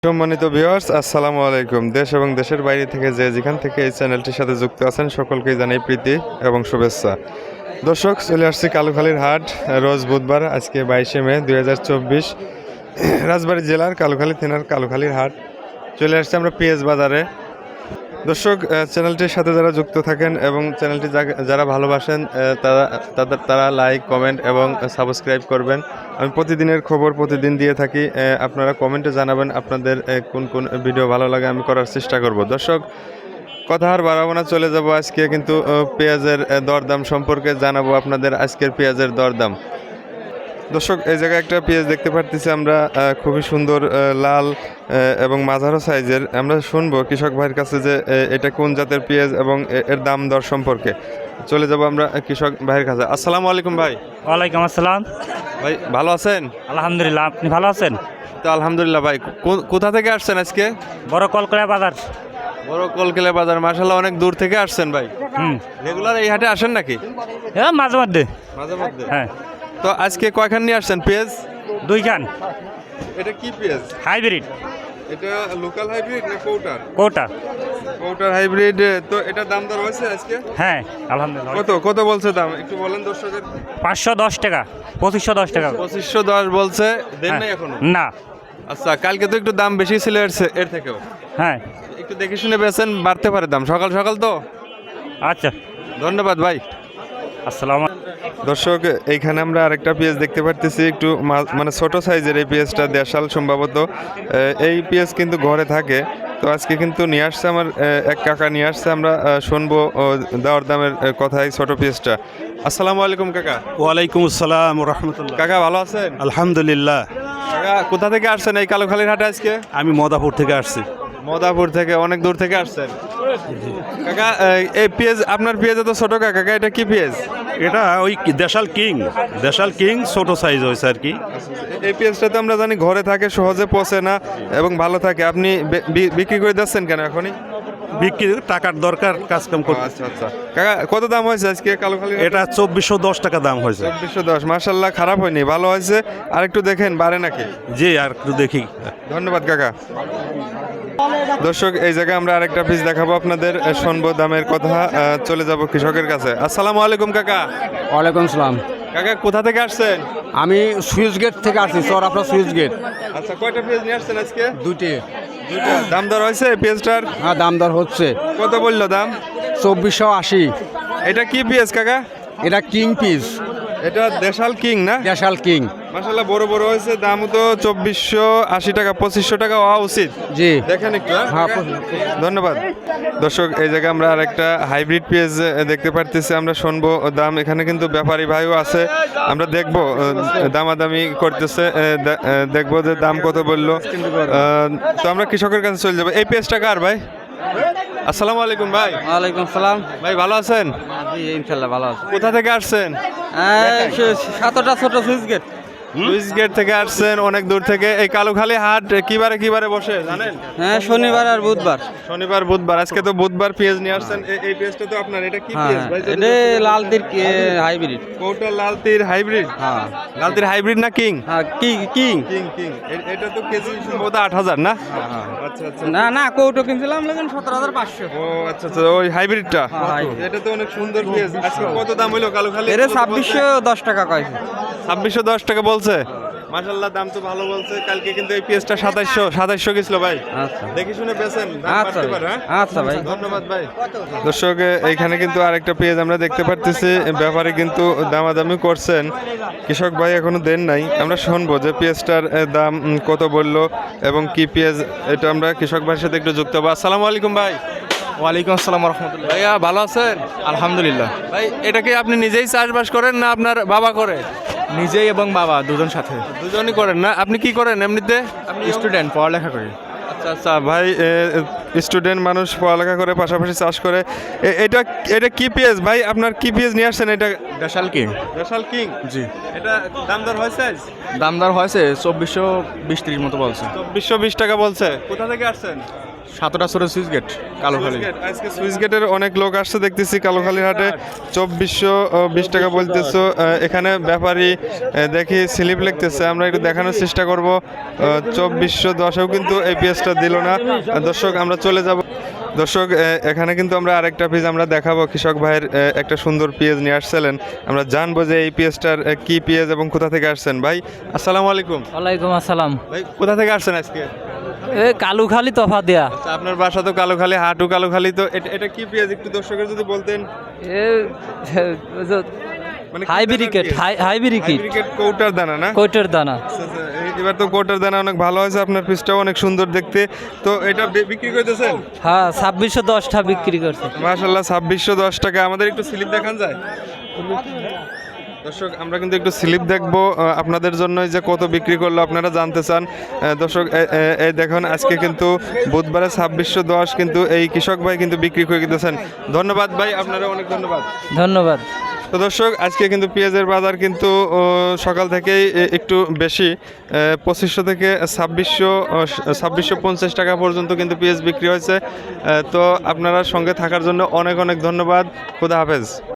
সম্মানিত ভিউয়ার্স, আসসালামু আলাইকুম। দেশ এবং দেশের বাইরে থেকে যেখান থেকে এই চ্যানেলটির সাথে যুক্ত আছেন সকলকেই জানাই প্রীতি এবং শুভেচ্ছা। দর্শক, চলে আসছি কালুখালীর হাট, রোজ বুধবার। আজকে 22শে মে 2024, রাজবাড়ী জেলার কালুখালী থানার কালুখালীর হাট। চলে আসছি আমরা পেঁয়াজ বাজারে। দর্শক, চ্যানেলটির সাথে যারা যুক্ত থাকেন এবং চ্যানেলটি যারা ভালোবাসেন তারা লাইক, কমেন্ট এবং সাবস্ক্রাইব করবেন। আমি প্রতিদিনের খবর প্রতিদিন দিয়ে থাকি। আপনারা কমেন্টে জানাবেন আপনাদের কোন কোন ভিডিও ভালো লাগে, আমি করার চেষ্টা করব। দর্শক, কথা আর বাড়াবো না, চলে যাব আজকে কিন্তু পেঁয়াজের দরদাম সম্পর্কে জানাবো আপনাদের। আজকের পেঁয়াজের দরদাম, দর্শক, এই জায়গায় একটা পেঁয়াজ দেখতে পারতেছি আমরা, খুবই সুন্দর লাল এবং মাঝারো সাইজের। আমরা শুনবো কৃষক ভাইয়ের কাছে যে এটা কোন জাতের পেঁয়াজ এবং এর দাম দর সম্পর্কে। চলে যাব আমরা কৃষক ভাইয়ের কাছে। আসসালামু আলাইকুম ভাই। ওয়ালাইকুম আসসালাম। ভাই ভালো আছেন? আলহামদুলিল্লাহ, আপনি ভালো আছেন? তো আলহামদুলিল্লাহ। ভাই কোথা থেকে আসছেন আজকে? বড় কলকাতা বাজার। বড় কলকেলা বাজার, মাশাআল্লাহ অনেক দূর থেকে আসছেন ভাই। রেগুলার এই হাটে আসেন নাকি? হ্যাঁ, মাঝে মধ্যে। মাঝে মধ্যে? হ্যাঁ। তো আজকে কয়খান নিয়ে আসছেন পেঁয়াজ? 2 খান। এটা কি পেঁয়াজ? হাইব্রিড। এটা লোকাল হাইব্রিড না কৌটার? কোটা। কৌটার হাইব্রিড। তো এটা দাম দর হয়েছে আজকে? হ্যাঁ, আলহামদুলিল্লাহ। কত কত বলছে দাম একটু বলেন দর্শকের। 510 টাকা, 2510 টাকা। 2510 বলছে, দেন নাই হ্যাঁ। এখনো? না। আচ্ছা, কালকে তো একটু দাম বেশি ছিল এর থেকেও। হ্যাঁ। একটু দেখে শুনে বেচেন, বাড়তে পারে দাম। সকাল সকাল তো। আচ্ছা, ধন্যবাদ ভাই। আসসালাম। দর্শক, এইখানে আমরা আরেকটা পেঁয়াজ দেখতে পারতেছি, একটু মানে ছোট সাইজের এই পেঁয়াজটা, দেশাল সম্ভবত। এই পেঁয়াজ কিন্তু ঘরে থাকে। তো আজকে কিন্তু নিয়ে আসছে আমার এক কাকা নিয়ে আসছে, আমরা শুনবো দেওয়ার দামের কথা এই ছোট পেঁয়াজটা। আসসালামু আলাইকুম কাকা। ওয়ালাইকুম আসসালাম রহমতুল্লাহ। কাকা ভালো আছেন? আলহামদুলিল্লাহ। কাকা কোথা থেকে আসছেন এই কালুখালীর হাটে আজকে? আমি মদাপুর থেকে আসছি। মদাপুর থেকে? অনেক দূর থেকে আসছেন কাকা। এই পেঁয়াজ, আপনার পেঁয়াজ তো ছোট কাকা, এটা কি পেঁয়াজ? এটা ওই দেশাল কিং ছোট সাইজ হয়েছে আর কি। এই পেঁয়াজটা তো আমরা জানি ঘরে থাকে, সহজে পচে না এবং ভালো থাকে। আপনি বিক্রি করে দিচ্ছেন কেন এখনই? বিক্রি টাকার দরকার, কাজ কাম করতে। আচ্ছা আচ্ছা কাকা, কত দাম হয়েছে আজকে কালুখালী? এটা 2410 টাকা দাম হয়েছে। 2410, মাশাআল্লাহ, খারাপ হয়নি, ভালো হয়েছে। আর একটু দেখেন বাড়ে নাকি। জি, আর একটু দেখি। ধন্যবাদ কাকা। দর্শক, এই জায়গায় আমরা আরেকটা পিস দেখাবো আপনাদের, শুনবো দামের কথা। চলে যাব কৃষকের কাছে। আসসালামু আলাইকুম কাকা। ওয়ালাইকুম সালাম। কাকা কোথা থেকে আসছেন? আমি সুইচ গেট থেকে আসছি, স্যার আপনার সুইচ গেট। আচ্ছা, কয়টা পেঁয়াজ নিয়ে আসছেন আজকে? দুইটি। দুইটা। দাম দর হয়েছে পেঁয়াজটার? হ্যাঁ, দাম দর হচ্ছে। কত বললো দাম? 2480। এটা কি পেঁয়াজ কাকা? এটা কিং পিস, এটা দেশাল কিং না? দেশাল কিং। মাশাআল্লাহ বড় বড় হয়েছে। দামও তো 2480 টাকা, 2500 টাকা হওয়া উচিত। জি দেখেন একটু। হ্যাঁ। ধন্যবাদ। দর্শক, এই জায়গায় আমরা আরেকটা হাইব্রিড পেঁয়াজ দেখতে পারতেছি, আমরা শুনবো দাম। এখানে কিন্তু ব্যাপারী ভাইও আছে, আমরা দেখবো দামাদামি করতেছে, দেখবো যে দাম কত বললো। তো আমরা কৃষকের কাছে চলে যাবো। এই পেঁয়াজটা কার ভাই? আসসালামু আলাইকুম ভাই। ওয়ালাইকুম সালাম। ভাই ভালো আছেন? জি ইনশাল্লাহ ভালো আছে। কোথা থেকে আসছেন? সাতটা ছোট সুইচ গেট। লুইস গেট থেকে আসছেন, অনেক দূর থেকে। এই কালুখালী হাট কিবারে বসে জানেন? হ্যাঁ, শনিবার আর বুধবার। শনিবার বুধবার। আজকে তো বুধবার পেঁয়াজ নিয়ে আসছেন। এই পেঁয়াজটা তো আপনার, এটা কি পেঁয়াজ ভাই? এটা লাল তীর হাইব্রিড। কোটা লাল তীর হাইব্রিড? হ্যাঁ। লাল তীর হাইব্রিড না কিং? হ্যাঁ, কিং। King king. এটা তো কেজি সম্ভবত 8000 না? আচ্ছা আচ্ছা। না না, কৌটো কিনছিলাম লেকিন 17500। ও আচ্ছা আচ্ছা, ওই হাইব্রিডটা। এটা তো অনেক সুন্দর পেঁয়াজ। আজকে কত দাম হইলো কালুখালী? এর 2610 টাকা কইছে। 2610 টাকা বলছে। মাশাআল্লাহ, দাম তো ভালো বলছে। কালকে কিন্তু এই পেঁয়াজটা 2700 গেছিল ভাই। আচ্ছা দেখি শুনে বেচেন, দাম আচ্ছা বাড়তে পারে। হ্যাঁ, আচ্ছা ভাই, ধন্যবাদ ভাই। দর্শক, এইখানে কিন্তু আরেকটা পেঁয়াজ আমরা দেখতে পারতেছি, ব্যাপারে কিন্তু দামাদামি করছেন। কৃষক ভাই এখনো দেন নাই। আমরা শুনবো যে পেঁয়াজটার দাম কত বললো এবং কি পেঁয়াজ, এটা আমরা কৃষক ভাইয়ের সাথে একটু যুক্ত হবো। আসসালামু আলাইকুম ভাই। ওয়ালাইকুম আসসালাম রহমতুল্লাহ। ভাইয়া ভালো আছেন? আলহামদুলিল্লাহ। ভাই, এটা কি আপনি নিজেই চাষবাস করেন না আপনার বাবা করে? নিজেই এবং বাবা দুজন সাথে। দুজনই করেন না? আপনি কি করেন এমনিতে? আমি স্টুডেন্ট, পড়ালেখা করি। আচ্ছা আচ্ছা ভাই, স্টুডেন্ট মানুষ, পড়ালেখা করে পাশাপাশি চাষ করে। এটা কি পেঁয়াজ ভাই? আপনার কি পেঁয়াজ নিয়ে আসছেন? এটা দেশাল কিং। দেশাল কিং? জি। এটা দাম দর হয়েছে? দাম দর হয়েছে 2420-30 মতো বলছে। 2420 টাকা বলছে। কোথা থেকে আসছেন? সাতটা ছোট সুইচ গেট কালোখালী। আজকে সুইচ গেটের অনেক লোক আসছে দেখতেছি কালোখালীর হাটে। 2420 টাকা বলতেছো। এখানে ব্যাপারী দেখি স্লিপ লিখতেছে, আমরা একটু দেখানোর চেষ্টা করব। 2410-এও কিন্তু এই পেঁয়াজটা দিল না। দর্শক আমরা চলে যাব। দর্শক এখানে কিন্তু আমরা আরেকটা পেঁয়াজ আমরা দেখাবো। কৃষক ভাইয়ের একটা সুন্দর পেঁয়াজ নিয়ে আসছিলেন, আমরা জানবো যে এই পেঁয়াজটার কি পেঁয়াজ এবং কোথা থেকে আসছেন। ভাই আসসালামু আলাইকুম। ওয়ালাইকুম আসসালাম। ভাই কোথা থেকে আসছেন আজকে? এ কালুখালি তফা দেয়া। আচ্ছা, আপনার বাসা তো কালোখালী, হাটু কালোখালী, তো এটা কি পেঁয়াজ একটু দর্শকের যদি বলতেন। এ মানে হাইব্রিকেট হাইব্রিকেট কৌটার দানা না? কোটের দানা। আচ্ছা, আচ্ছা, এবার তো কোটার দানা অনেক ভালো হয়েছে, আপনার পিসটাও অনেক সুন্দর দেখতে। তো এটা বিক্রি করতেছেন? হ্যাঁ 2610টা বিক্রি করছে। মাশাআল্লাহ 2610 টাকা। আমাদের একটু স্লিপ দেখান যায়? দর্শক আমরা কিন্তু একটু স্লিপ দেখবো আপনাদের জন্য, যে কত বিক্রি করলো আপনারা জানতে চান। দর্শক এই দেখুন আজকে কিন্তু বুধবারে 2610 কিন্তু এই কৃষক ভাই কিন্তু বিক্রি করে দিতেছেন। ধন্যবাদ ভাই, আপনারা অনেক ধন্যবাদ। ধন্যবাদ। তো দর্শক আজকে কিন্তু পেঁয়াজের বাজার কিন্তু সকাল থেকেই একটু বেশি, 2500 থেকে 2650 টাকা পর্যন্ত কিন্তু পেঁয়াজ বিক্রি হয়েছে। তো আপনারা সঙ্গে থাকার জন্য অনেক অনেক ধন্যবাদ। খোদা হাফেজ।